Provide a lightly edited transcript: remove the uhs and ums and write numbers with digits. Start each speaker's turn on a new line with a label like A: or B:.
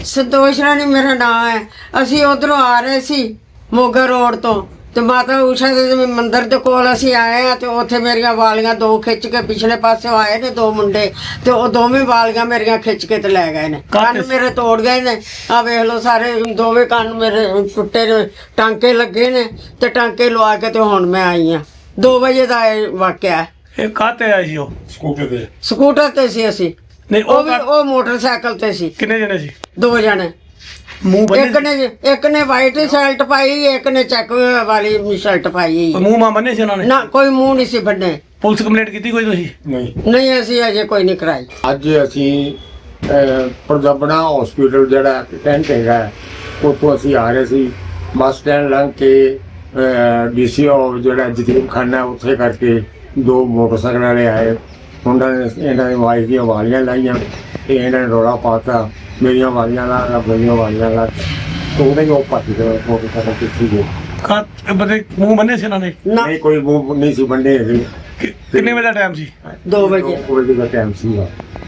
A: ਸੰਤੋਸ਼ ਰਾਣੀ ਮੇਰਾ ਨਾਮ ਹੈ। ਅਸੀਂ ਉਧਰੋਂ ਆ ਰਹੇ ਸੀ ਮੋਗਾ ਰੋਡ ਤੋਂ ਤੇ ਮਾਤਾ ਊਸ਼ਾ ਦੇ ਮੰਦਿਰ ਦੇ ਕੋਲ ਅਸੀਂ ਆਏ ਆ ਤੇ ਉੱਥੇ ਮੇਰੀਆਂ ਵਾਲੀਆਂ ਦੋ ਖਿੱਚ ਕੇ ਪਿਛਲੇ ਪਾਸੇ ਆਏ ਨੇ ਦੋ ਮੁੰਡੇ ਤੇ ਉਹ ਦੋਵੇਂ ਵਾਲੀਆਂ ਮੇਰੀਆਂ ਖਿੱਚ ਕੇ ਤੇ ਲੈ ਗਏ ਨੇ। ਕੰਨ ਮੇਰੇ ਤੋੜ ਗਏ ਨੇ। ਆ ਵੇਖ ਲਓ ਸਾਰੇ ਦੋਵੇਂ ਕੰਨ ਮੇਰੇ ਟੁੱਟੇ ਨੇ, ਟਾਂਕੇ ਲੱਗੇ ਨੇ ਤੇ ਟਾਂਕੇ ਲਵਾ ਕੇ ਤੇ ਹੁਣ ਮੈਂ ਆਈ ਆ। 2 ਵਜੇ ਦਾ ਇਹ ਵਾਕਿਆ ਹੈ।
B: ਇਹ ਕਾਹਤੇ ਆਏ ਸੀ ਉਹ?
A: ਸਕੂਟਰ ਤੇ ਸੀ ਅਸੀਂ।
B: ਨਹੀਂ
A: ਉਹ ਵੀ ਉਹ ਮੋਟਰਸਾਈਕਲ ਤੇ ਸੀ।
B: ਕਿੰਨੇ ਜਣੇ ਸੀ?
A: 2 ਜਣੇ।
B: ਮੂੰਹ ਬੰਨੇ
A: ਇੱਕ ਨੇ ਵਾਈਟ ਸ਼ਰਟ ਪਾਈ, ਇੱਕ ਨੇ ਚੈੱਕ ਵਾਲੀ ਸ਼ਰਟ ਪਾਈ।
B: ਮੂੰਹ ਮਾਂ ਬੰਨੇ ਸੀ ਉਹਨਾਂ ਨੇ?
A: ਨਾ ਕੋਈ ਮੂੰਹ ਨਹੀਂ ਸੀ ਬੰਨੇ।
B: ਪੁਲਿਸ ਕੰਪਲੇਂਟ ਕੀਤੀ ਕੋਈ ਤੁਸੀਂ?
A: ਨਹੀਂ ਅਸੀਂ ਅਜੇ ਕੋਈ ਨਹੀਂ ਕਰਾਈ।
C: ਅੱਜ ਅਸੀਂ ਪੰਜਾਬਣਾ ਹਸਪੀਟਲ ਜਿਹੜਾ ਟੈਂਟ ਹੈਗਾ ਉੱਥੋਂ ਅਸੀਂ ਆ ਰਹੇ ਸੀ। ਬੱਸ ਸਟੈਂਡ ਲੰਘ ਕੇ ਡੀਸੀਓ ਜਿਹੜਾ ਜਤੀਮ ਖਾਨਾ ਉੱਥੇ ਕਰਕੇ 2 ਮੋਟਰਸਾਈਕਲ ਵਾਲੇ ਆਏ। ਉਹਨਾਂ ਨੇ ਇਹਨਾਂ ਦੀ ਵਾਈਫ ਦੀਆਂ ਵਾਲੀਆਂ ਲਾਈਆਂ ਤੇ ਇਹਨਾਂ ਨੇ ਰੌਲਾ ਪਾਤਾ ਮੇਰੀਆਂ ਵਾਲੀਆਂ ਲਾ ਮੇਰੀਆਂ ਵਾਲੀਆਂ ਲਾ ਤੇ ਉਹਨੇ ਉਹ ਭੱਜ ਗਏ ਮੋਟਰਸਾਈਕਲ ਪਿੱਛੇ ਗਏ।
B: ਇਹ ਬੰਦੇ ਮੂੰਹ ਬੰਨੇ ਸੀ ਉਹਨਾਂ ਨੇ?
A: ਨਾ
C: ਨਹੀਂ ਕੋਈ ਮੂੰਹ ਨਹੀਂ ਸੀ ਬੰਦੇ ਹੈਗੇ।
B: ਕਿੰਨੇ ਵਜੇ ਦਾ ਟਾਈਮ ਸੀ?
A: 2 ਵਜੇ।
C: 2 ਵਜੇ ਦਾ ਟਾਈਮ ਸੀਗਾ।